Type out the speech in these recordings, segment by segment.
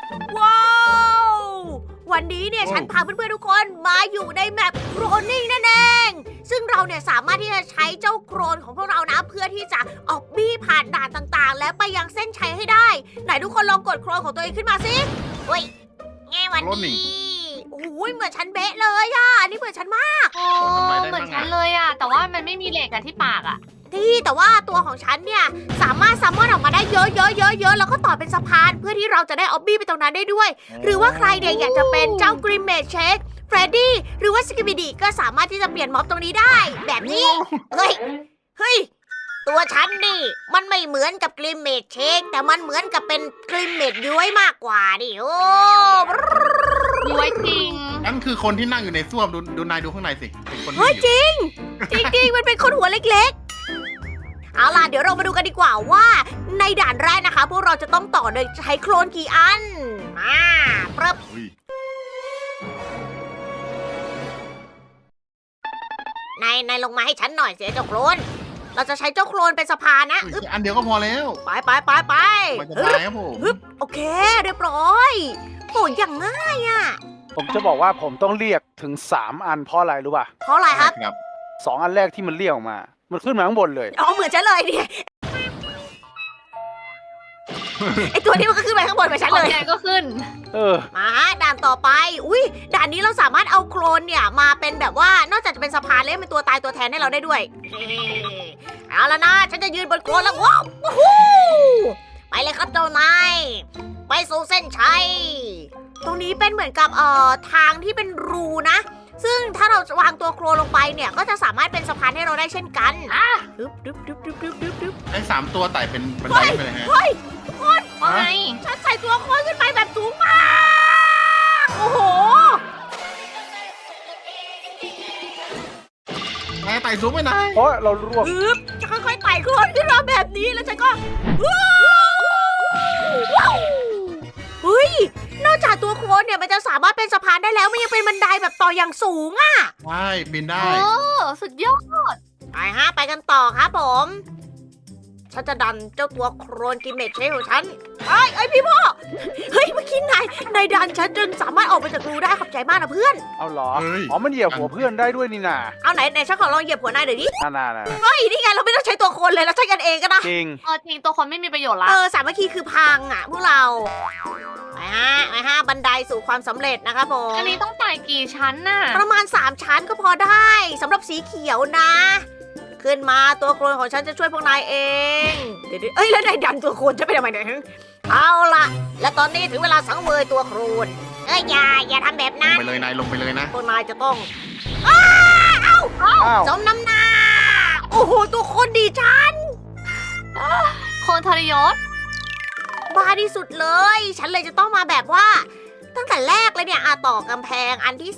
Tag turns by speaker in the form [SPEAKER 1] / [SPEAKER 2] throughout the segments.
[SPEAKER 1] ว้าววันนี้เนี่ยฉันพาเพื่อนๆทุกคนมาอยู่ในแมปโครนนิ่งนั่นเองซึ่งเราเนี่ยสามารถที่จะใช้เจ้าโครนของพวกเรานะเพื่อที่จะออกบี้ผ่านด่านต่างๆ และไปยังเส้นชัยให้ได้ไหนทุกคนลองกดโครนของตัวเองขึ้นมาสิเฮ้ยแง่วันนี้โอ้ยเหมือนฉันเบ๊ะเลยอ่ะอันนี่เหมือนฉันมาก
[SPEAKER 2] โอ้เหมือนฉันเลยอะแต่ว่ามันไม่มีเหล็กอะที่ปากอะ
[SPEAKER 1] ที่แต่ว่าตัวของฉันเนี่ยสามารถซัมมอนออกมาได้เยอะๆๆๆแล้วก็ต่อเป็นสะพานเพื่อที่เราจะได้ออบบี้ไปตรงนั้นได้ด้วย หรือว่าใครเนี่ยอยากจะเป็นเจ้ากริมเมดเชคเฟรดดี้หรือว่าสกิบิดีก็สามารถที่จะเปลี่ยนม็อบตรงนี้ได้ แบบนี้เฮ้ยตัวฉันนี่มันไม่เหมือนกับกริมเมดเชคแต่มันเหมือนกับเป็นกริมเมดย้วยมากกว่าดิโอ้
[SPEAKER 2] ย้วยจริง
[SPEAKER 3] นั่นคือคนที่นั่งอยู่ในส้วมดูนายดูข้างในสิเป็นคน
[SPEAKER 1] เฮ้ย
[SPEAKER 3] ที่อยู่
[SPEAKER 1] จริงมันเป็นคนหัวเล็กๆเอาล่ะเดี๋ยวเรามาดูกันดีกว่าว่าในด่านแรกนะคะ พวกเราจะต้องต่อโดยใช้โคลนกี่อันมาเริ่ม
[SPEAKER 3] อุ้ย
[SPEAKER 1] นายลงมาให้ฉันหน่อยเสียเจ้าโคลนเราจะใช้เจ้าโคลนเป็นสะพานนะ
[SPEAKER 3] อุ้ยอันเดียวก็พอแล้ว
[SPEAKER 1] ไป
[SPEAKER 3] มันจะตายครับผม
[SPEAKER 1] ฮึบโอเคเรียบร้อยโอ้ยอย่างง่ายอ่ะ
[SPEAKER 4] ผมจะบอกว่าผมต้องเรียกถึง 3 อันเพราะอะไรรู้ป่ะ
[SPEAKER 1] เพราะอะไรครับ
[SPEAKER 3] ครับ
[SPEAKER 4] 2 อันแรกที่มันเรียกออกมา มันขึ้นมาข้างบนเลย
[SPEAKER 1] อ๋อเหมือนฉันเลยเนี่ยไอตัวนี้มันก็ขึ้นไปข้างบนเหมือนฉัน
[SPEAKER 2] ขอ
[SPEAKER 1] เล
[SPEAKER 2] ง
[SPEAKER 1] ย
[SPEAKER 2] แกก็ขึ้น
[SPEAKER 4] เออ
[SPEAKER 1] มาด่านต่อไป อุ้ยด่านนี้เราสามารถเอาโคลนเนี่ยมาเป็นแบบว่านอกจากจะเป็นสะพานแล้วเป็นตัวตายตัวแทนให้เราได้ด้วยเฮ้เอาละนะ ฉันจะยืนบนโคลนแล้วว้าววู้ฮู้ไปเลยครับเจ้านายไปสู่เส้นชัย ตรงนี้เป็นเหมือนกับทางที่เป็นรูนะ ซึ่งถ้าเราวางตัวโคลนลงไปเนี่ยก็จะสามารถเป็นสะพานให้เราได้เช่นกันดึบดึบดึบดึบดึบดึบดึบ
[SPEAKER 3] ไอ้3 ตัวไต่เป็นบันไดไปเลยฮะ
[SPEAKER 1] เฮ้ยทุกคน
[SPEAKER 2] ว่าไง
[SPEAKER 1] ฉันใส่ตัวโคลนขึ้นไปแบบสูงมาก โอ้โห
[SPEAKER 3] นายไต่สูงไปไหน
[SPEAKER 4] เพราะเราร่วง
[SPEAKER 1] ปึ๊บจะค่อยๆไต่โคลนขึ้นมาแบบนี้แล้วฉันก็ว้าวเฮ้ย นอกจากตัวโคลนเนี่ยมันจะสามารถเป็นสะพานได้แล้วมันยังเป็นบันไดแบบต่ออย่างสูงอะ
[SPEAKER 3] ใช่บินได้
[SPEAKER 2] โอ้สุดยอด
[SPEAKER 1] ไปฮะไปกันต่อครับผม ฉันจะดันเจ้าตัวโครนกินเม็ดเชฟของฉันไอ้พี่พ่อ เฮ้ยเมื่อกี้นายดันฉันจนสามารถออกไปจากรูได้ขอบใจมากนะเพื่อน
[SPEAKER 4] เอาเหรอ
[SPEAKER 3] เฮ้ย
[SPEAKER 4] อ๋อ มันเหยียบหัวเพื่อนได้ด้วยนี่นา
[SPEAKER 1] เอาไหนฉันขอลองเหยียบหัวนายหน่อยดิ
[SPEAKER 4] น่า
[SPEAKER 1] เฮ้ยนี่ไงเราไม่ต้องใช้ตัวโคลนเลยเราใช้กันเองก็ได้
[SPEAKER 4] จริง
[SPEAKER 2] จริงตัวคนไม่มีประโยชน์ละ
[SPEAKER 1] สามัคคีคือพังอ่ะพวกเรา ไปฮะบันไดสู่ความสำเร็จนะครับผม
[SPEAKER 2] อันนี้ต้องไต่กี่ชั้นน่ะ
[SPEAKER 1] ประมาณ 3 ชั้นก็พอได้สำหรับสีเขียวนะ ขึ้นมาตัวโคลนของฉันจะช่วยพวกนายเองเดี๋ยวเอ้ยแล้วนายดันตัวโคลนจะไปทำไมเนี่ยเอาล่ะ และตอนนี้ถึงเวลาสังเวยตัวโคลนอย่าทำแบบ
[SPEAKER 3] ล
[SPEAKER 1] นั้
[SPEAKER 3] ง
[SPEAKER 1] น
[SPEAKER 3] ไปเลยนายลงไปเลยนะ
[SPEAKER 1] พวกนายจะต้อง
[SPEAKER 4] อ้าว
[SPEAKER 1] สมน้ำหน้าโอ้โหตัวโคลนดีจัง
[SPEAKER 2] คนทรยศ
[SPEAKER 1] บ้าที่สุดเลย ฉันเลยจะต้องมาแบบว่า ตั้งแต่แรกเลยเนี่ยต่อกำแพงอันที่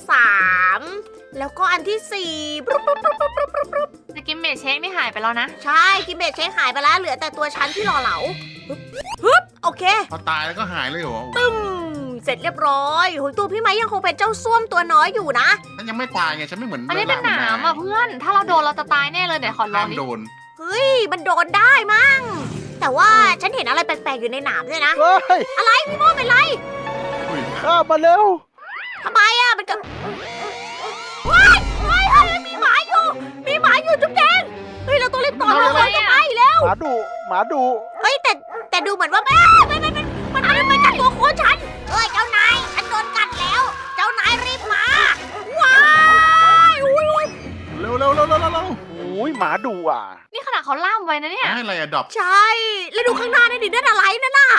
[SPEAKER 1] 3 แล้วก็อันที่4ปุ๊บ
[SPEAKER 2] สกิมเมจเช็คนี่หายไปแล้วนะ
[SPEAKER 1] ใช่กิมเบตเช็คหายไปแล้วเหลือแต่ตัวชั้นที่หล่อเหลาฮึบโอเค
[SPEAKER 3] พอตายแล้วก็หายเลยเหรอ
[SPEAKER 1] ตึ้มเสร็จเรียบร้อยโหยตัวพี่ไม้ยังคงเป็นเจ้าส้วมตัวน้อยอยู่นะ
[SPEAKER 3] ฉันยังไม่ตายไงฉันไม่เหมือน
[SPEAKER 2] อันนี้เป็นหนามอ่ะเพื่อน ถ้าเราโดนเราจะตายแน่เลยเดี๋ยวขอลอ
[SPEAKER 3] ห้าง ม
[SPEAKER 2] ดิ
[SPEAKER 3] โดน
[SPEAKER 1] เฮ้ยมันโดนได้มั้งแต่ว่าฉันเห็นอะไรแปลกๆอยู่ในหนามด้วยนะ
[SPEAKER 4] เฮ้ย
[SPEAKER 1] อะไรพี่โม่เป็นไร
[SPEAKER 3] อุ้ย
[SPEAKER 4] ข้ามมาเร็ว
[SPEAKER 1] ทำไมอะมันเกิดว้ายเฮ้ยมีหมาอยู่จุ๊บแดงเฮ้ยเราต้องรีบต่อเราเลยจะไปแล้ว
[SPEAKER 4] หมาดุ
[SPEAKER 1] เฮ้ยแต่ดูเหมือนว่ามันกัดตัวโคฉันเอ้ยเจ้านายฉันโดนกัดแล้ว เจ้านายรีบมาว้ายอุ้ย
[SPEAKER 3] เร็ว
[SPEAKER 4] โอ้ยหมาดุอ่ะ
[SPEAKER 2] นี่ขนาดเขาล่ามไว้นะเนี่ย
[SPEAKER 3] ให้อะไรอะดรอป
[SPEAKER 1] ใช่แล้วดูข้างหน้านั่นดินั่นอะไรนั่นน่ะ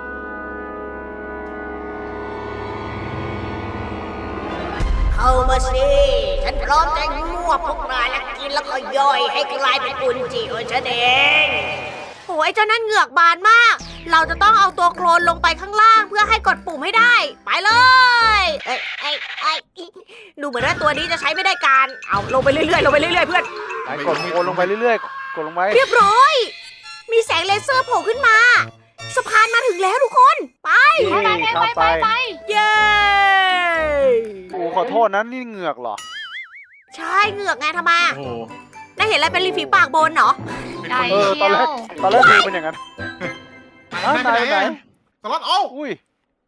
[SPEAKER 1] เข้ามาสิฉันพร้อมจะมั่วพวกนายและกินแล้วก็ย่อยให้กลายเป็นอุนจิของฉันเองโอ้ยเจ้านั่นเหงือกบานมาก เราจะต้องเอาตัวโคลนลงไปข้างล่างเพื่อให้กดปุ่มให้ได้ ไปเลยดูเหมือนว่าตัวนี้จะใช้ไม่ได้การ เอาลงไปเรื่อยๆเพื่อน
[SPEAKER 4] ไหนกดโคนลงไปเรื่อยๆ กดลงไป
[SPEAKER 1] เรียบร้อย มีแสงเลเซอร์โผล่ขึ้นมา สะพานมาถึงแล้วทุกคน ไป
[SPEAKER 4] ข้ามไป
[SPEAKER 1] เย้
[SPEAKER 4] โอ้ขอโทษนะนี่เหงือกเหรอ
[SPEAKER 1] ใช่เหงือกไงทำไม
[SPEAKER 3] โอ้โห
[SPEAKER 1] นายเห็นอะไรเป็นริมฝีปากบนเหรอ
[SPEAKER 3] เป็น
[SPEAKER 2] ใหญ่
[SPEAKER 3] คน
[SPEAKER 4] เออ ตอนแรกดูเป็นอย่างนั้น
[SPEAKER 3] ไหน
[SPEAKER 4] ไหน
[SPEAKER 3] สล็อตโอ้า
[SPEAKER 4] อุ้ย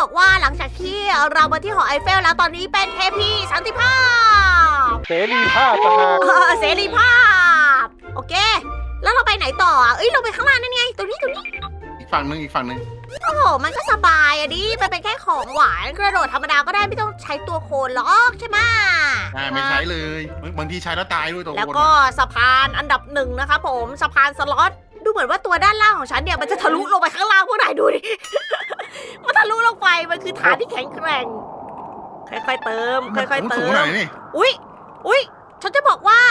[SPEAKER 1] บอกว่าหลังจากที่เรามาที่หอไอเฟลแล้วตอนนี้เป็นเทพีสันติภาพ
[SPEAKER 4] เสรีภาพต่างหาก
[SPEAKER 1] เสรีภาพ โอเค แล้วเราไปไหนต่ออ่ะเอ้ยเราไปข้างล่างนั่นไงตรงนี้
[SPEAKER 3] อีกฝั่งหนึง
[SPEAKER 1] โอ้โหมันก็สบายอะดิมันเป็นแค่ของหวานกระโดดธรรมดาก็ได้ไม่ต้องใช้ตัวโคนหรอกใช่ไหม
[SPEAKER 3] ไม่ใช้เลยบางทีใช้แล้วตายด้วยตัว
[SPEAKER 1] แล้ว
[SPEAKER 3] คน
[SPEAKER 1] ก็สะพานอันดับหนึ่งนะคะผมสะพานสล็อตดูเหมือนว่าตัวด้านล่างของฉันเนี่ยมันจะทะลุลงไปข้างล่างพวกนายดูดิ มันทะลุลงไปมันคือฐานที่แข็งแกร่งค่อยๆเติม
[SPEAKER 3] มัน
[SPEAKER 1] ค่อยๆเติ
[SPEAKER 3] สูง
[SPEAKER 1] ม
[SPEAKER 3] หน่อยนี่
[SPEAKER 1] อุ๊ยฉันจะบอกว่า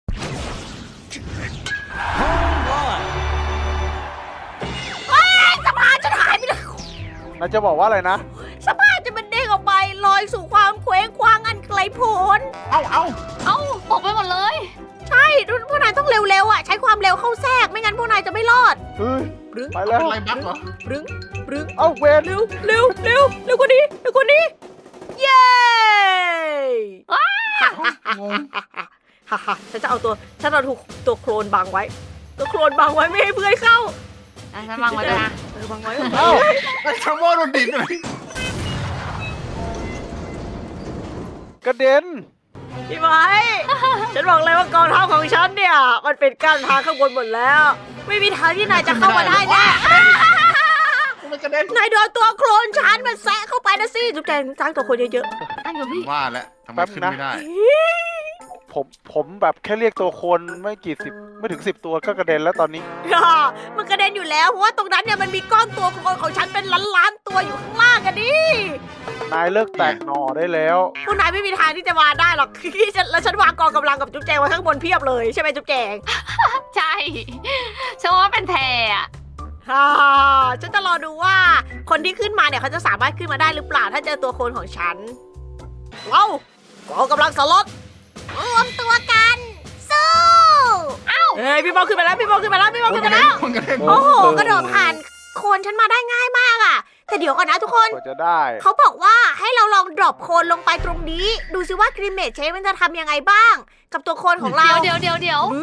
[SPEAKER 1] เอ้ยสะพานฉันหายไปเลย
[SPEAKER 4] นายจะบอกว่าอะไรนะ
[SPEAKER 1] สะพานจะมันเด้งออกไปลอยสู่ความเคว้งคว้างอันไกลโพ้น
[SPEAKER 3] เอ้า
[SPEAKER 2] เอ้าตกไปหมดเลย
[SPEAKER 1] ใช่พวกนายต้องเร็วๆอ่ะใช้ความเร็วเข้าแทรกไม่งั้นพวกนายจะไม่รอด
[SPEAKER 4] เฮ้ย
[SPEAKER 1] บรึ้ง
[SPEAKER 4] ไปแล้ว
[SPEAKER 3] อะไรบั๊กเหรอ
[SPEAKER 1] บรึ้งบรึ้ง
[SPEAKER 4] เอ้าเวน
[SPEAKER 1] เร็วเร็วเร็วเร็วกว่านี้เร็วกว่านี้ เย้
[SPEAKER 3] งง
[SPEAKER 1] ฮ่าฮ่าฉันจะเอาตัวโคลนบังไว้ ตัวโคลนบังไว้ไม่ให้เพื่อนเข้า
[SPEAKER 2] อ่ะฉันวางไว้ด้วยนะ
[SPEAKER 1] บังไว้
[SPEAKER 4] เอ้า
[SPEAKER 3] ไอ้ชาโมโดนดิดเลย
[SPEAKER 4] กระเด็น
[SPEAKER 1] พี่ไม้ ฉันบอกเลยว่ากองทัพของฉันเนี่ย มันเป็นกั้นทางข้างบนหมดแล้ว ไม่มีทางที่นายจะเข้ามาได้แน่
[SPEAKER 3] มันกระเด็น
[SPEAKER 1] นายโดนตัวโคลนฉันมันแซะเข้าไปนะสิจุ๊บแจงจ้างตัวคนเยอะ
[SPEAKER 2] นั่งอยู่พี่
[SPEAKER 3] ว่าแล้วทำไมขึ้นไม่ได้
[SPEAKER 4] ผมแบบแค่เรียกตัวคนไม่ถึง 10 ตัวก็กระเด็นแล้วตอนนี้
[SPEAKER 1] ๆ มันกระเด็นอยู่แล้วเพราะว่าตรงนั้นเนี่ยมันมีก้อนตัวโคลนของฉันเป็นล้านๆตัวอยู่ข้างล่างกันดิ
[SPEAKER 4] นายเลิกแตกหน่อได้แล้ว
[SPEAKER 1] พวกนายไม่มีทางที่จะมาได้หรอก แล้วฉันวางกองกำลังกับจุ๊บแจงไว้ข้างบนเพียบเลยใช่ไหมจุ๊บแจง
[SPEAKER 2] ใช่ฉันว่าเป็นแพรอะ
[SPEAKER 1] ฉันจะรอดูว่าคนที่ขึ้นมาเนี่ยเขาจะสามารถขึ้นมาได้หรือเปล่าถ้าเจอตัวโคลนของฉันเรากองกำลังสล็อตรวมตัวกันสู้เฮ้ยพี่บอลขึ้นมาแล้วพี่บอลขึ้นมาแล้วพี่บอลขึ้นมาแล้ว
[SPEAKER 3] มันกระเด็น
[SPEAKER 1] โอ้โหกระโดดผ่านโคลนฉันมาได้ง่ายมากอะแต่เดี๋ยวก่อนนะทุกคน
[SPEAKER 4] กว่าจะได้
[SPEAKER 1] เขาบอกว่าให้เราลองดรอปโคลนลงไปตรงนี้ ดูซิว่ากริมเมจเชฟมันจะทำยังไงบ้าง กับตัวโคลนของเรา
[SPEAKER 2] เดี๋ยว
[SPEAKER 1] หรือ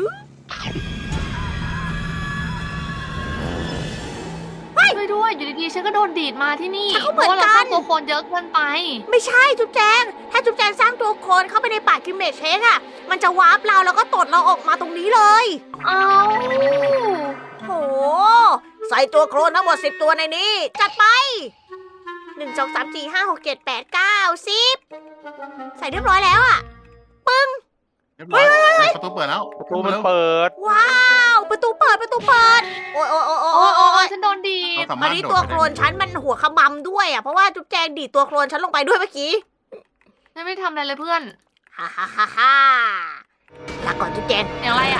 [SPEAKER 2] ช่วยด้วยอยู่ดีๆฉันก็โดนดีดมาที่นี่
[SPEAKER 1] ฉันก็เห
[SPEAKER 2] เพ
[SPEAKER 1] มือน
[SPEAKER 2] ราะว่าเรา
[SPEAKER 1] กัน
[SPEAKER 2] สร้างตัวโคนเยอะเกินไป
[SPEAKER 1] ไม่ใช่จุ๊บแจง ถ้าจุ๊บแจงสร้างตัวโคลนเข้าไปในป่ากริมเมจเชฟอะมันจะวาร์ปเราแล้วก็ตดเราออกมาตรงนี้เลย
[SPEAKER 2] เอา
[SPEAKER 1] โห ใส่ตัวโคลนทั้งหมด10 ตัวในนี้ จัดไป 1 2 3 4 5 6 7 8 9 10 ใส่เรียบร้อยแล้วอะ
[SPEAKER 3] เรียบร้อยประตูเปิดแล้ว
[SPEAKER 4] ประตูมันเปิด
[SPEAKER 1] ว้าว ประตูเปิด โอ้ยโอ้ยโอ้ยโอ้
[SPEAKER 2] โอ้
[SPEAKER 1] ย
[SPEAKER 2] โอ้
[SPEAKER 1] โอ้ย
[SPEAKER 2] ฉันโดนดีด
[SPEAKER 3] เราสา
[SPEAKER 1] อั
[SPEAKER 3] มาน รถ
[SPEAKER 1] นี้
[SPEAKER 3] โด
[SPEAKER 1] ตัว
[SPEAKER 3] ด
[SPEAKER 1] โคลนฉันมันหัวขมำด้วยอะเพราะว่าจุ๊บแจงดีดตัวโคลนฉันลงไปด้วยเมื่อกี้
[SPEAKER 2] ฉันไม่ได้ทำอะไรเลยเพื่อน
[SPEAKER 1] ฮ่าฮ่าฮ่าฮ่าลาก่อนจุ๊บแจง
[SPEAKER 2] อย่างไรอะ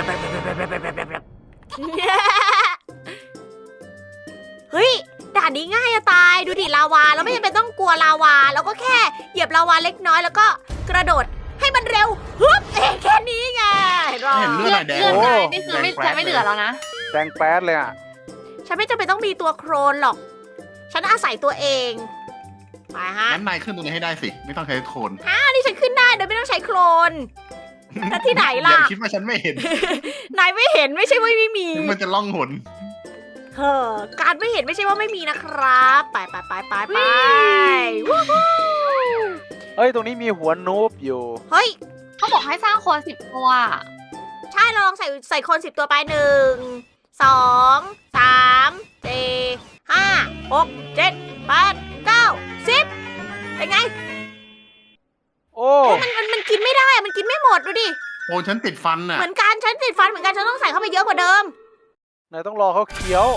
[SPEAKER 1] เฮ้ยด่านนี้ง่ายอะตายดูดิลาวาเราไม่จำเป็นต้องกลัวลาวาเราก็แค่เหยียบลาวาเล็กน้อยแล้วก็กระโดดให้มันเร็วฮึบแค่นี้ไงเห็นปะ
[SPEAKER 3] เห็นเลือดไหลแดง
[SPEAKER 2] เลือด
[SPEAKER 4] โอ้
[SPEAKER 2] นายนี่คือไม่ฉันไม่เหลือแล้วนะ
[SPEAKER 4] แดงแป๊ดเลยอ่ะ
[SPEAKER 1] ฉันไม่จำเป็นต้องมีตัวโครนหรอก ฉันอาศัยตัวเองไปฮะ
[SPEAKER 3] งั้นนายขึ้นตรงนี้ให้ได้สิ ไม่ต้องใช้โคน
[SPEAKER 1] อันนี้ฉันขึ้นได้โดยไม่ต้องใช้โครนแต่ที่ไหน
[SPEAKER 3] อ
[SPEAKER 1] ล่ะ
[SPEAKER 3] ย่าคิดว่าฉันไม่เห็น
[SPEAKER 1] นายไม่เห็นไม่ใช่ว่าไม่มี
[SPEAKER 3] ถึงมันจะล่องหน
[SPEAKER 1] เฮ้อการไม่เห็นไม่ใช่ว่าไม่มีนะครับ ไปวู้ฮู้
[SPEAKER 4] เฮ้ย ตรงนี้มีหัวนูบอยู่
[SPEAKER 1] เฮ้ย
[SPEAKER 2] เขาบอกให้สร้างโคน10 ตัว
[SPEAKER 1] ใช่เราลองใส่คน10 ตัวไป1 2 3 4 5 6 7 8 9 10เป็นไง
[SPEAKER 4] โอ้
[SPEAKER 1] มันกินไม่ได้อะมันกินไม่หมดดูดิ
[SPEAKER 3] โอ้ฉันติดฟันน่ะ
[SPEAKER 1] เหมือนกันฉันติดฟันเหมือนกันฉันต้องใส่เข้าไปเยอะกว่าเดิม
[SPEAKER 4] นายต้องรอเขาเคี้ยว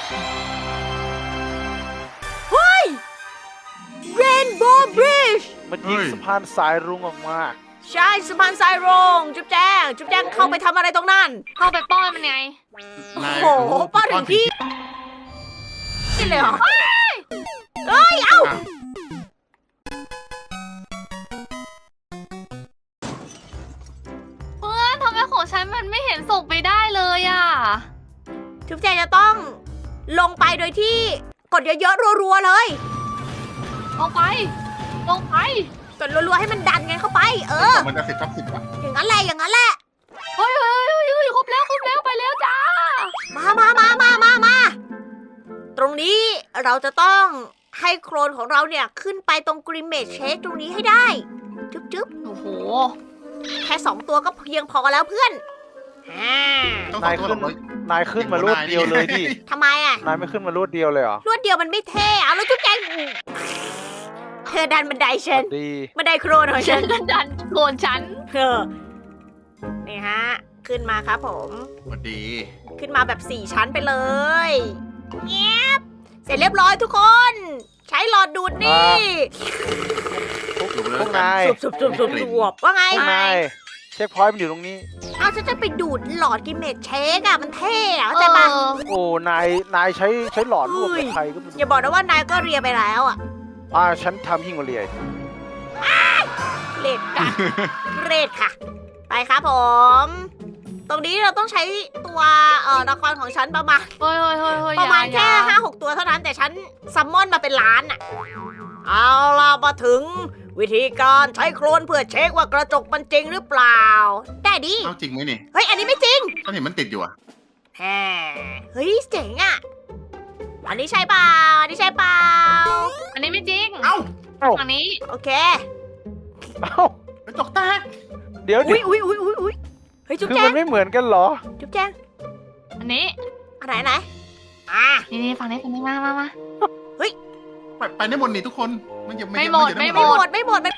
[SPEAKER 1] Rainbow Bridge
[SPEAKER 4] มันยิงสะพานสายรุ้งออกมา
[SPEAKER 1] ใช่สะพานทรายโรงจุ๊บแจ้งเข้าไปทำอะไรตรงนั้น
[SPEAKER 2] เข้าไปป้อนมันไง
[SPEAKER 3] นาย
[SPEAKER 1] โอ้โหป้อนถึงที่นี่เลยเหรอเอ้ย เอ้า
[SPEAKER 3] อ่ะ
[SPEAKER 2] เพื่อนทำไมของฉันมันไม่เห็นส่งไปได้เลยอ่ะ
[SPEAKER 1] จุ๊บแจงจะต้องลงไปโดยที่กดเยอะๆรัวๆเลย
[SPEAKER 2] ลงไป
[SPEAKER 1] กดรัวๆให้มันดันกันเข้าไป
[SPEAKER 3] มันจะ10/10อ่ะ
[SPEAKER 1] อย่างนั้นแหละ
[SPEAKER 2] เฮ้ยครบแล้วไปแล้วจ้า
[SPEAKER 1] มา ตรงนี้เราจะต้องให้โครนของเราเนี่ยขึ้นไปตรงกริมเมจเชคตรงนี้ให้ได้จุ๊บจุ๊บ
[SPEAKER 2] โอ้โห
[SPEAKER 1] แค่2 ตัวก็เพียงพอแล้วเพื่อนอ่า
[SPEAKER 3] ต้อง
[SPEAKER 4] นาย
[SPEAKER 3] ขอโทษ
[SPEAKER 4] ขึ้น
[SPEAKER 3] หรอก
[SPEAKER 4] นายขึ้นมารวดเดียวเลยดิ
[SPEAKER 1] ทำไมอ่ะ
[SPEAKER 4] นายไม่ขึ้นมารวดเดียวเลยเหรอ
[SPEAKER 1] รวดเดียวมันไม่เท่เอาแล้วจุ๊บแจงเธอดันบันไดฉัน
[SPEAKER 4] ดี
[SPEAKER 1] บันไดโครนของ
[SPEAKER 2] ฉั
[SPEAKER 1] ฉั
[SPEAKER 2] น
[SPEAKER 1] น
[SPEAKER 2] ก็ดันโกนฉัน
[SPEAKER 1] เออนี่ฮะ ขึ้นมาครับผม
[SPEAKER 3] สวัสดี
[SPEAKER 1] ขึ้นมาแบบ4 ชั้นไปเลยเงียบเสร็จเรียบร้อยทุกคน ใช้หลอดดูดนี่
[SPEAKER 3] อยู่เลย
[SPEAKER 4] พวกนาย
[SPEAKER 1] สูบว่าไง
[SPEAKER 4] พวกนายเช็คพอยต์มันอยู่ตรงนี้
[SPEAKER 1] เอาฉันจะไปดูดหลอดกิมเมจเชคอะมันเท่อะเข้าใจปะ
[SPEAKER 4] โอ้นายใช้หลอดร่วมกับใครก็ไม่
[SPEAKER 1] อย่าบอกนะว่านายก็เรียไปแล้วอะ
[SPEAKER 4] ฉันทำยิ่งกว่าเรีย
[SPEAKER 1] เรดค่ะเรดค่ะ ไปครับผม ตรงนี้เราต้องใช้ตัวละครของฉันประมาณ
[SPEAKER 2] เฮ้ยเฮ้ยเฮ้ยเฮ้ย
[SPEAKER 1] ประมาณ
[SPEAKER 2] อย่
[SPEAKER 1] แค่5-6 ตัวเท่านั้นแต่ฉันซัมมอนมาเป็นล้านอะเอาล่ะมาถึงวิธีการใช้โครนเพื่อเช็คว่ากระจกมันจริงหรือเปล่า ได้ดิ
[SPEAKER 3] เอาจริงไหมนี่
[SPEAKER 1] เฮ้ย อันนี้ไม่จริง
[SPEAKER 3] ก็เห็นมันติดอยู่อะ
[SPEAKER 1] แฮเฮ้ยเจ๋งอะอันนี้ใช่เปล่าอันนี้ใช่เปล่า
[SPEAKER 2] อันนี้ไม่จริง
[SPEAKER 3] เอ้า
[SPEAKER 2] อันนี้
[SPEAKER 1] โอเค
[SPEAKER 4] เอ้าก
[SPEAKER 3] ระจกแตก
[SPEAKER 4] เดี๋ยว
[SPEAKER 1] อุ้ยอุ้ยอุ้ยอุ้ยอุ้ยเฮ้ยจุ๊บ
[SPEAKER 4] คือ
[SPEAKER 1] แจ
[SPEAKER 4] มั
[SPEAKER 1] ง
[SPEAKER 4] นไม่เหมือนกันเหรอ
[SPEAKER 1] จุ๊บแจง
[SPEAKER 2] อันนี้
[SPEAKER 1] อันไหนอันไหนอ่ะ
[SPEAKER 2] นี่ฝั่งนี้มา
[SPEAKER 3] ไปได้หมดนี่ทุกคนมันอย่า
[SPEAKER 2] ไม่หมด
[SPEAKER 3] อย่า
[SPEAKER 2] ไม่
[SPEAKER 1] ไม่
[SPEAKER 2] ห
[SPEAKER 1] ห
[SPEAKER 2] ม
[SPEAKER 1] ม
[SPEAKER 2] ด
[SPEAKER 1] ดไม่หมดไม่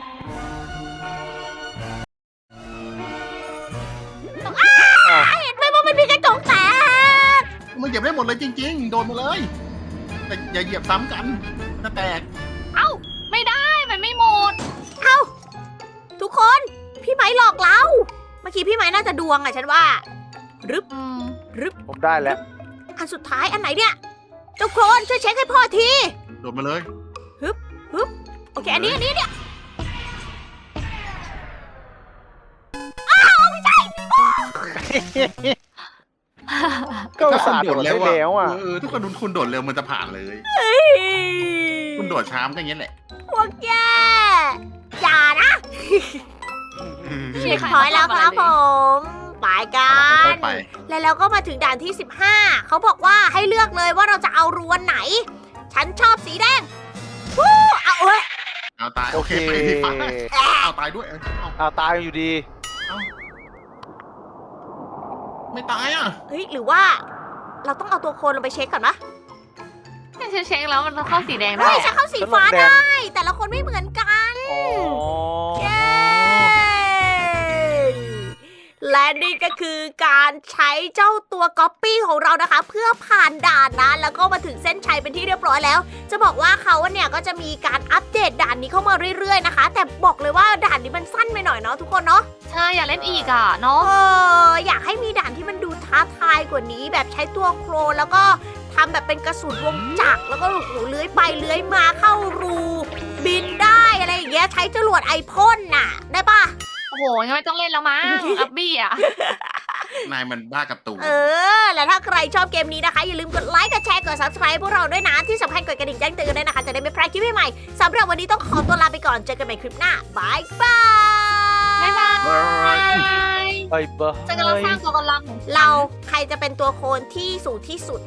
[SPEAKER 1] เห็นไหมว่ามันมีกระจกแตก
[SPEAKER 3] มันเหยียบได้หมดเลยจริง ๆ โดนมาเลย แต่อย่าเหยียบซ้ำกันจะแตก
[SPEAKER 2] ไม่ได้มันไม่หมด
[SPEAKER 1] ทุกคนพี่ไม้หลอกเรา เมื่อกี้พี่ไม้น่าจะดวงอะฉันว่ารึบ
[SPEAKER 2] อืม
[SPEAKER 1] รึบ
[SPEAKER 4] ผมได้แล้ว
[SPEAKER 1] อันสุดท้ายอันไหนเนี่ยเจ้าโครนช่วยเช็คให้พ่อที
[SPEAKER 3] โดนมาเลย
[SPEAKER 1] โอเคอันนี้เนี่ย
[SPEAKER 4] ก็อุตสาห์โดดได้แล้วอ่ะ
[SPEAKER 3] ทุกคนคุณโดดเร็วมันจะผ่านเลย คุณโดดช้ามก็อย่างนี้แหละ
[SPEAKER 1] พวกแกอย่านะ
[SPEAKER 2] เชี่ย
[SPEAKER 1] ถอยแล้วครับผมไปกั
[SPEAKER 3] ค่อน ยๆไป
[SPEAKER 1] แล้วเราก็มาถึงด่านที่ 15 เขาบอกว่าให้เลือกเลยว่าเราจะเอารวนไหน ฉันชอบสีแดงวู้เอาเอ้ย
[SPEAKER 3] เอาตาย
[SPEAKER 4] โอ
[SPEAKER 3] โอ
[SPEAKER 4] เค
[SPEAKER 3] เคไปที่ฟ้าเอาตายด้วยเอา
[SPEAKER 4] ตายอยู่ดี
[SPEAKER 3] ไม่ตายอ่ะ
[SPEAKER 1] เฮ้ยหรือว่า เราต้องเอาตัวโคลนลงไปเช็คก่อนปะ
[SPEAKER 2] ฉันเช็คแล้วมันเข้าสีแดงได้
[SPEAKER 1] เฮ้ยฉันเข้าสีฟ้า
[SPEAKER 4] ฉันลงแดง
[SPEAKER 1] ได้ แต่ละคนไม่เหมือนกัน
[SPEAKER 4] อ๋อ
[SPEAKER 1] เย้ และนี่ก็คือการใช้เจ้าตัวก๊อปปี้ของเรานะคะ เพื่อผ่านด่านนะแล้วก็มาถึงเส้นชัยเป็นที่เรียบร้อยแล้ว จะบอกว่าเขาเนี่ยก็จะมีการอัปเดตด่านนี้เข้ามาเรื่อยๆนะคะ แต่บอกเลยว่าด่านนี้มันสั้นไปหน่อยเนาะทุกคนเนาะ
[SPEAKER 2] ใช่อยากเล่นอีกอ่ะเนาะ
[SPEAKER 1] อยากให้มีด่านที่มันดูท้าทายกว่านี้ แบบใช้ตัวโครนแล้วก็ทำแบบเป็นกระสุนวงจักรแล้วก็โอ้โหเลื้อยไปเลื้อยมาเข้ารูบินได้อะไรอย่างเงี้ยใช้จรวดไอพ่นน่ะ ได้ปะ
[SPEAKER 2] โอ้โหงั้นไม่ต้องเล่นแล้วมั้งอับบี้อ่ะ
[SPEAKER 3] นายมันบ้ากับตู
[SPEAKER 1] แล้วถ้าใครชอบเกมนี้นะคะ อย่าลืมกดไลค์ กดแชร์ กด subscribe พวกเราด้วยนะ ที่สำคัญกดกระดิ่งแจ้งเตือนด้วยนะคะ จะได้ไม่พลาดคลิปใหม่ๆสำหรับวันนี้ต้องขอตัวลาไปก่อน เจอกันใหม่คลิปหน้าบายบาย
[SPEAKER 2] บ๊ายบาย
[SPEAKER 4] ไปเบอร์
[SPEAKER 2] ฉันกำลังสร้างตัวกำลัง
[SPEAKER 1] เราใครจะเป็นตัวโคนที่สูงที่สุด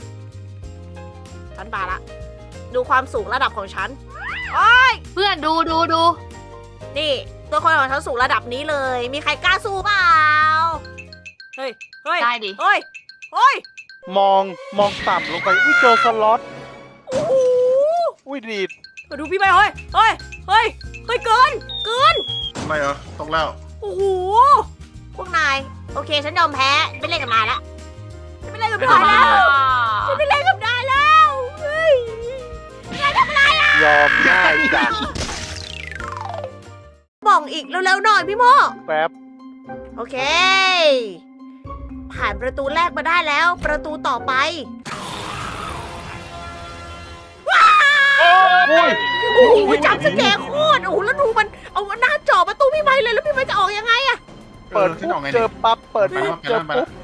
[SPEAKER 1] ฉันบาละ ดูความสูงระดับของฉัน
[SPEAKER 2] เพื่อนดู
[SPEAKER 1] นี่ ตัวโคนของฉันสูงระดับนี้เลย มีใครกล้าสู้เปล่า เฮ้ย เฮ้ย
[SPEAKER 2] ได้ดิ
[SPEAKER 1] เฮ้ย เฮ้ย
[SPEAKER 4] มองต่ำลงไป อุ้ยเจอสล็อต
[SPEAKER 1] โอ้โห
[SPEAKER 4] อุ้ยดีด
[SPEAKER 1] มาดูพี่ไปเฮ้ย เฮ้ย เฮ้ย เฮ้ย เกิน
[SPEAKER 3] ทำไมตกแล้ว
[SPEAKER 1] โอ้โห พวกนาย โอเค ฉันยอมแพ้ ไม่เล่นกับนายละฉันไม่เล่นกับนายแล้วฉันไม่เล่นกับนายแล้วเฮ้ยนายทำอะไรอ่ะ
[SPEAKER 4] ยอมง่ายจัง
[SPEAKER 1] บ่องอีกเร็วๆหน่อยพี่โม
[SPEAKER 4] แป๊บ
[SPEAKER 1] โอเค ผ่านประตูแรกมาได้แล้ว ประตูต่อไป
[SPEAKER 4] อุ้ย
[SPEAKER 1] โอ้โหจับสแกร์โคตรโอ้โหแล้วดูมันเอาหน้าจ่อประตูพี่ไม้เลยแล้วพี่ไม้จะออกยังไงอะ
[SPEAKER 4] เปิด
[SPEAKER 3] ฉัน
[SPEAKER 4] ปุ๊
[SPEAKER 3] ออบ กไง
[SPEAKER 4] เจ
[SPEAKER 3] เนี่ย
[SPEAKER 4] อปั๊บ เปิด
[SPEAKER 3] ไป
[SPEAKER 4] ปุ๊บ
[SPEAKER 3] แล้วไป
[SPEAKER 4] เจ
[SPEAKER 3] แล้
[SPEAKER 4] อ
[SPEAKER 3] วไป
[SPEAKER 4] ปุ๊
[SPEAKER 3] แล้
[SPEAKER 4] บ
[SPEAKER 3] ว